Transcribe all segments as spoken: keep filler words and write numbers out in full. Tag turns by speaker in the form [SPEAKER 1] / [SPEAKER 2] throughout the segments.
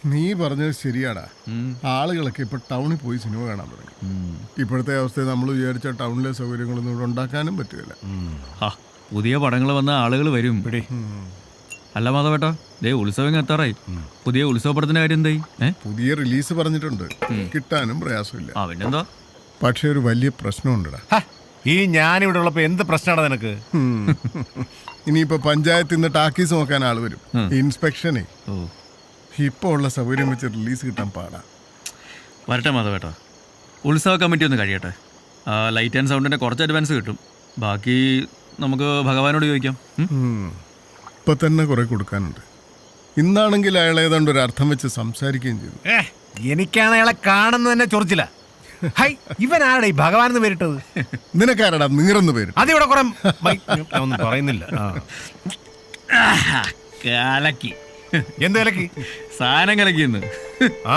[SPEAKER 1] നീ പറഞ്ഞത് ശരിയാടാ. ആളുകളൊക്കെ ഇപ്പൊ ടൗണിൽ പോയി സിനിമ കാണാൻ തുടങ്ങി. ഇപ്പോഴത്തെ അവസ്ഥയിൽ നമ്മൾ വിചാരിച്ച ടൗണിലെ സൗകര്യങ്ങളൊന്നും ഇവിടെ ഉണ്ടാക്കാനും പറ്റില്ല.
[SPEAKER 2] പുതിയ പടങ്ങൾ വന്ന ആളുകൾ വരും. അല്ല മാധവേട്ടാ, ദേ ഉത്സവം എത്താറായി. പുതിയ ഉത്സവപ്പടത്തിന്റെ കാര്യം എന്തായി?
[SPEAKER 1] പുതിയ റിലീസ് പറഞ്ഞിട്ടുണ്ട്, കിട്ടാനും പ്രയാസമില്ല.
[SPEAKER 2] ആ പിന്നെന്താ?
[SPEAKER 1] പക്ഷെ ഒരു വലിയ പ്രശ്നമുണ്ടടാ.
[SPEAKER 3] ഈ ഞാനിവിടെ ഉള്ളപ്പോ എന്ത് പ്രശ്നമാണ് നിനക്ക്?
[SPEAKER 1] ഇനിയിപ്പോ പഞ്ചായത്തിൽ നിന്ന് ടാക്കീസ് നോക്കാൻ ആള് വരും. ഇൻസ്പെക്ഷനെ ഇപ്പൊ ഉള്ള സൗകര്യം വെച്ച് റിലീസ് കിട്ടാൻ പാടാ.
[SPEAKER 2] വരട്ടെ മാധവേട്ടാ, ഉത്സവ കമ്മിറ്റി ഒന്ന് കഴിയട്ടെ. ലൈറ്റ് ആൻഡ് സൗണ്ടിന്റെ കുറച്ച് അഡ്വാൻസ് കിട്ടും. ബാക്കി നമുക്ക് ഭഗവാനോട് ചോദിക്കാം.
[SPEAKER 1] ഇപ്പൊ തന്നെ കുറെ കൊടുക്കാനുണ്ട്. ഇന്നാണെങ്കിൽ അയാൾ ഏതാണ്ട് ഒരു അർത്ഥം വെച്ച് സംസാരിക്കുകയും ചെയ്തു.
[SPEAKER 3] എനിക്കാണ് അയാളെ കാണുന്നത് തന്നെ ചൊറിച്ചില്ല. ഇവൻ ആരുടെ ഈ ഭഗവാൻ എന്ന് പേരിട്ടത്?
[SPEAKER 1] നിനക്കാരടാ നീറന്ന് പേര്?
[SPEAKER 3] അതിവിടെ കുറെ ഒന്നും പറയുന്നില്ല.
[SPEAKER 2] കലക്കി.
[SPEAKER 3] എന്ത് കലക്കി?
[SPEAKER 2] സാധനം കലക്കിന്ന്.
[SPEAKER 3] ആ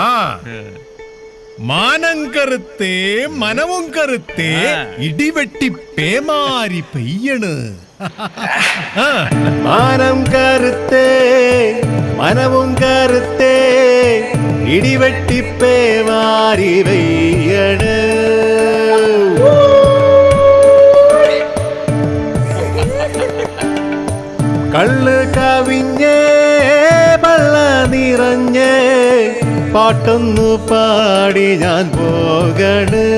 [SPEAKER 3] മാനം കറുത്തേ മനവും കറുത്തേ ഇടിവെട്ടി പേമാരി പെയ്യണ്. മാനം കറുത്തേ മനവും കറുത്തേ ഇടിവെട്ടി പേമാരി പെയ്യണ്. കള്ള് കവിഞ്ഞേ പള്ള നിറഞ്ഞേ പാട്ടൊന്നു പാടി ഞാൻ പോകണ്.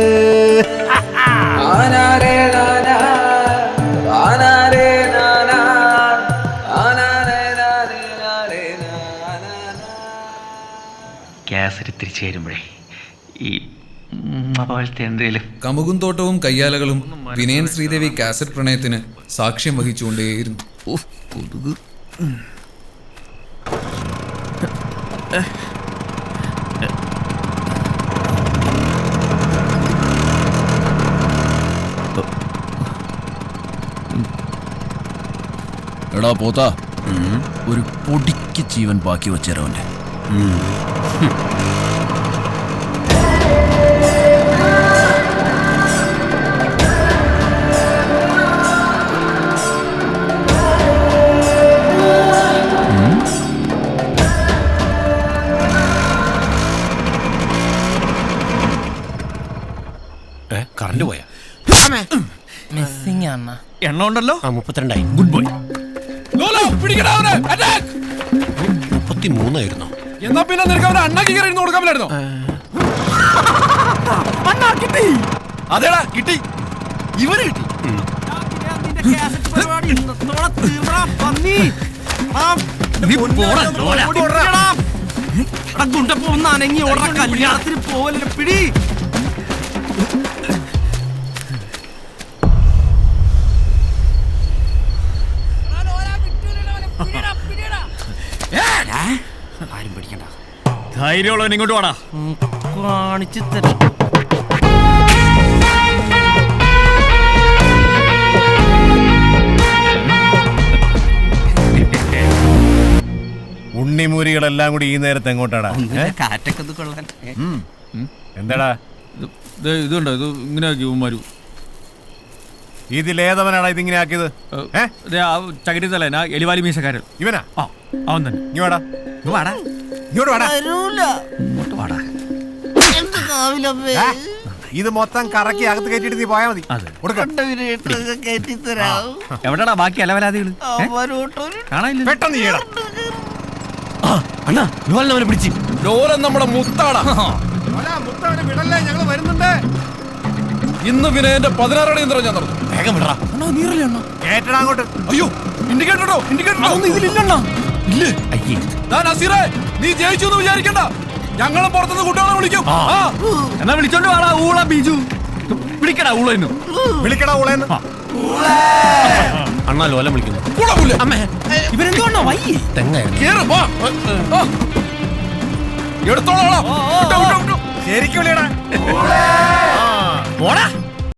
[SPEAKER 2] കാസറ്റ് തിരിച്ചു വരുമ്പോഴേ ഈ പോലത്തെ എന്തേലും
[SPEAKER 4] കമുകും തോട്ടവും കയ്യാലകളും വിനയൻ ശ്രീദേവി കാസറ്റ് പ്രണയത്തിന് സാക്ഷ്യം വഹിച്ചുകൊണ്ടേയിരുന്നു.
[SPEAKER 2] കൊതുക്.
[SPEAKER 5] എടാ പോത്താ, ഒരു പൊടിക്ക് ജീവൻ ബാക്കി വെച്ചേരവന്റെ.
[SPEAKER 3] കറണ്ട് പോയാ?
[SPEAKER 2] എണ്ണ ഉണ്ടല്ലോ.
[SPEAKER 3] മുപ്പത്തിരണ്ടായി. Good boy. മുപ്പത്തിമൂന്നായിരുന്നു.
[SPEAKER 6] എന്നാ പിന്നെ നിനക്ക് അവനെ അണ്ണാക്കി കയറി കൊടുക്കാൻ പറ്റായിരുന്നോ? അതേടാ കിട്ടി, ഇവന് കിട്ടി. അനങ്ങി ഓടാ, കല്യാണത്തിന് പോവല്ലേ പിടി. ആരും പിടിക്കണ്ട.
[SPEAKER 2] ധൈര്യമുള്ളവൻ ഇങ്ങോട്ട് വാടാ,
[SPEAKER 6] കാണിച്ചു തരാം.
[SPEAKER 3] ഉണ്ണിമൂരികളെല്ലാം കൂടി ഈ നേരത്തെ എങ്ങോട്ടാടാ?
[SPEAKER 6] കാറ്റൊക്കെ കൊള്ളാൻ.
[SPEAKER 3] എന്താടാ
[SPEAKER 2] ഇതുണ്ടോ? ഇത് ഇങ്ങനെ ആക്കി ഉമ്മാരു.
[SPEAKER 3] ഇതിലേതവനാടാ ഇതിങ്ങനെ ആക്കിയത്?
[SPEAKER 2] ചകിരി തല എലിവാലി മീശക്കാരൻ
[SPEAKER 3] ഇവനാ?
[SPEAKER 2] അവൻ തന്നെ.
[SPEAKER 3] ഇങ്ങോട്ടാ
[SPEAKER 2] വാടാ,
[SPEAKER 3] ഇങ്ങോട്ട് വാടാ.
[SPEAKER 2] ഇങ്ങോട്ട് വാടാ.
[SPEAKER 3] ഇത് മൊത്തം കറക്കി അകത്ത് കയറ്റിട്ട് നീ പോയാ മതി.
[SPEAKER 2] എവിടെടാ ബാക്കി അലവലാദികള്? കാണാനില്ല.
[SPEAKER 3] പെട്ടെന്ന് ചെയ്യണം.
[SPEAKER 6] അണ്ണാ ലോലനെ പിടിച്ച്. ലോലൻ നമ്മുടെ മുത്താടാ.
[SPEAKER 3] വിടല്ലേ, ഞങ്ങള് വരുന്നുണ്ട്.
[SPEAKER 6] ഇന്ന് പിന്നെ എന്റെ പതിനാറടി യന്ത്രം ഞാൻ നടന്നു.
[SPEAKER 3] വേഗം വിടറാ. കേട്ടടാ അങ്ങോട്ട്.
[SPEAKER 6] അയ്യോ ഇൻഡിക്കേറ്ററോ ഇൻഡിക്കേറ്ററോ ഇല്ലേ? നസീറേ, നീ ജയിച്ചു എന്ന് വിചാരിക്കണ്ട. ഞങ്ങളും പുറത്തുനിന്ന് കുട്ടികളെ വിളിക്കും.
[SPEAKER 2] എന്നാ വിളിച്ചോണ്ട് വാടാ ഊള ബീജു. വിളിക്കടാ ഊളെന്ന്.
[SPEAKER 3] വിളിക്കടാ ഊളെന്ന്. അണ്ണാ ലോലം വിളിക്കുന്നു.
[SPEAKER 6] ഇവരെന്തുകൊണ്ടാ വയ്യ?
[SPEAKER 3] തെങ്ങായിരുന്നു.
[SPEAKER 6] എടുത്തോളാം.
[SPEAKER 3] ശരിക്കും വിളിയടാ.